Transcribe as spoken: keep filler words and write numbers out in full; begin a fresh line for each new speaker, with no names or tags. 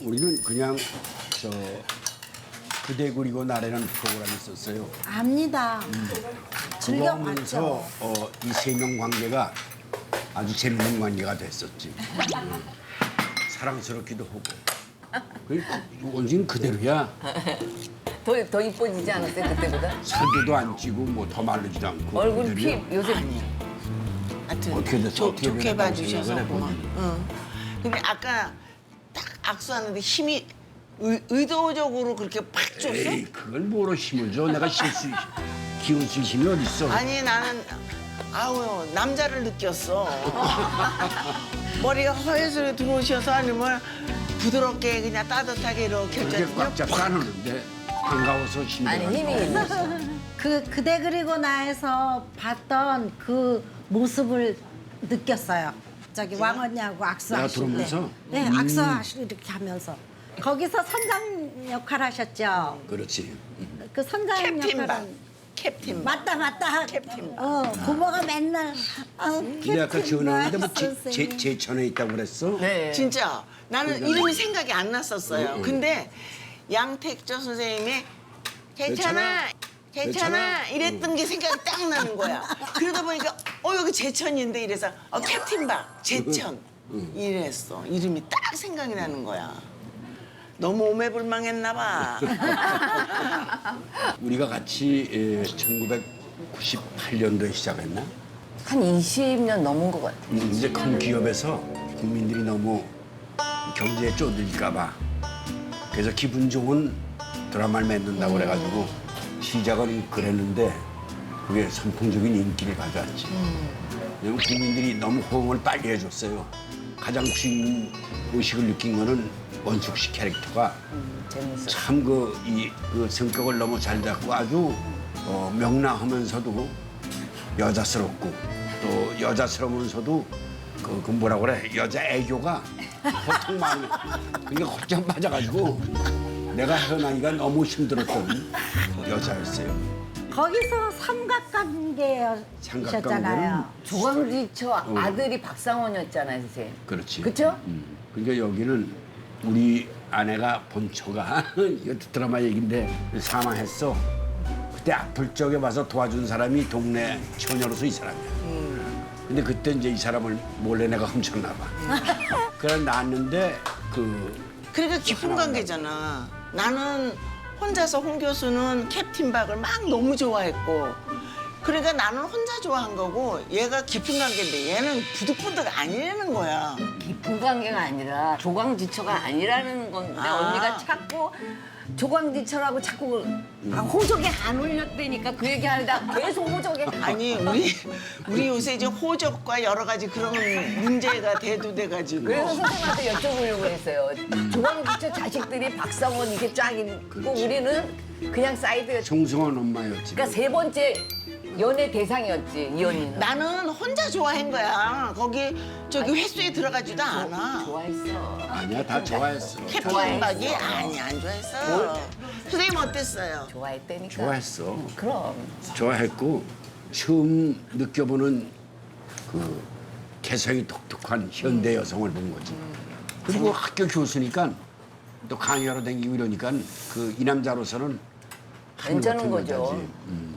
우리는 그냥 저 그대 그리고 나라는 프로그램이 있었어요.
압니다. 즐겨
그거 하면서
봤죠.
어, 이 세 명 관계가 아주 재밌는 관계가 됐었지. 음. 사랑스럽기도 하고. 그러니까 원진 그대로야.
더, 더 이뻐지지 않았어요, 그때보다?
살도 안 찌고 뭐 더 마르지도 않고.
얼굴 피,
그대로야.
요새
하여튼
어떻게 됐어?
좋-
어떻게
좋게
변했다고
봐주셔서
생각을
고마워.
해보니.
응. 근데 아까 딱 악수하는데 힘이 의, 의도적으로 그렇게 팍 줬어?
에이 그걸 뭐로 힘을 줘? 내가 실수 기운 쓸 힘이 어딨어?
아니 나는 아우 남자를 느꼈어. 머리가 허해서 들어오셔서 아니면 부드럽게 그냥 따뜻하게 이렇게
이렇게
해줬더니
꽉 잡고 안 오는데 반가워서 힘이
아니, 힘이 있었어.
그 그대 그리고 나에서 봤던 그 모습을 느꼈어요. 저기 왕언니하고 악수하실 때.
들어오면서?
네,
음.
악수하시고 이렇게 하면서. 거기서 선장 역할 하셨죠.
그렇지.
그 선장
캡틴 박.
역할은
캡틴 박.
맞다 맞다.
캡틴 박.
어, 부모가 맨날 어,
근데 아까
캡틴
전화했는데 뭐
박
제,
선생님.
제, 제천에 있다고 그랬어?
네.
진짜 나는 이름이 생각이 안 났었어요.
응.
근데 양택조 선생님이 제천아,
제천아.
제천아 이랬던 게 생각이 딱 나는 거야. 그러다 보니까 어 여기 제천인데 이래서 어 캡틴 박 제천 이랬어. 이름이 딱 생각이 나는 거야. 너무 오매불망했나 봐.
우리가 같이 에, 천구백구십팔 년도에 시작했나?
한 이십 년 넘은 것 같아.
음, 이제 큰 기업에서 국민들이 너무 경제에 쪼들릴까 봐 그래서 기분 좋은 드라마를 맺는다고 그래가지고 시작은 그랬는데 그게 선풍적인 인기를 가져왔지. 왜냐면 국민들이 너무 호응을 빨리 해줬어요. 가장 주인 의식을 느낀 거는 원숙 씨 캐릭터가
재밌어.
참 그 이 그 성격을 너무 잘 잡고 아주 어, 명랑하면서도 여자스럽고 또 여자스러우면서도 그, 그 뭐라 그래 여자 애교가 보통 많이 그게 곧장 빠져가지고 내가 헤어나기가 너무 힘들었던 여자였어요.
거기서 삼각관계였잖아요.
삼각관계는
조광지처 아들이 박상원이었잖아요, 선생님.
그렇지.
그쵸?
음. 그러니까 여기는 우리 아내가 본처가 이거 드라마 얘긴데 사망했어. 그때 아플 적에 와서 도와준 사람이 동네 처녀로서 이 사람이야. 근데 그때 이제 이 사람을 몰래 내가 훔쳤나 봐. 그래 낳았는데 그
그러니까 깊은 관계잖아. 나는 혼자서 홍 교수는 캡틴 박을 막 너무 좋아했고 그러니까 나는 혼자 좋아한 거고 얘가 깊은 관계인데 얘는 부득부득 아니라는 거야.
깊은 관계가 아니라 조광지처가 아니라는 건데
아.
언니가 자꾸 조광지처라고 자꾸 아, 호적에 안 올렸다니까 그 얘기 하다 계속 호적에
아니 우리 우리 요새 이제 호적과 여러 가지 그런 문제가 대두돼가지고
그래서 선생님한테 여쭤보려고 했어요. 조광지처 자식들이 박상원 이게 쫙 있고
그렇지.
우리는 그냥 사이드였지.
정승환 엄마였지.
그러니까 세 번째 연애 대상이었지 이 언니는.
나는 혼자 좋아한 거야. 거기 저기 회수에 들어가지도 않아.
좋아했어.
아니야 다 좋아했어.
캡틴
좋아했어.
박이 아니 안 좋아했어. 선생님 어땠어요?
좋아했다니까.
좋아했어.
그럼.
좋아했고 처음 느껴보는 그 개성이 독특한 현대 여성을 본 거지. 그리고 학교 교수니까 또 강의하러 다니고 이러니까 그 이 남자로서는 하늘
괜찮은
같은
거죠.
여자지. 음.